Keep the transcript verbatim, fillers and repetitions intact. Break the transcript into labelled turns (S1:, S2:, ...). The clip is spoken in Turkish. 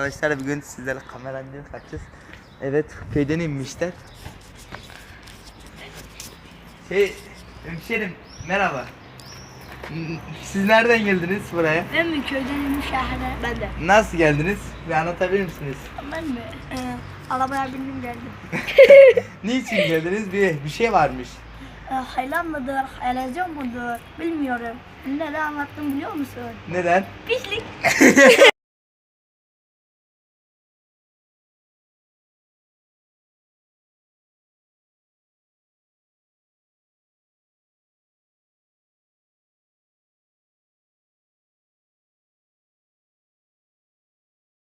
S1: arkadaşlar, bugün sizlerle kamerayla kaçacağız. Evet, köyden inmişler. Şey, hemşerim merhaba. Siz nereden geldiniz buraya?
S2: Ben mi köyden inmiş şehre? Ben de.
S1: Nasıl geldiniz? Bir anlatabilir misiniz?
S2: Ben mi? Ee, arabaya bindim geldim.
S1: Niçin geldiniz? Bir bir şey varmış.
S2: Ee, haylan mıdır, haylazyon mudur bilmiyorum. Ne de anlattım biliyor musun?
S1: Neden?
S2: Pislik.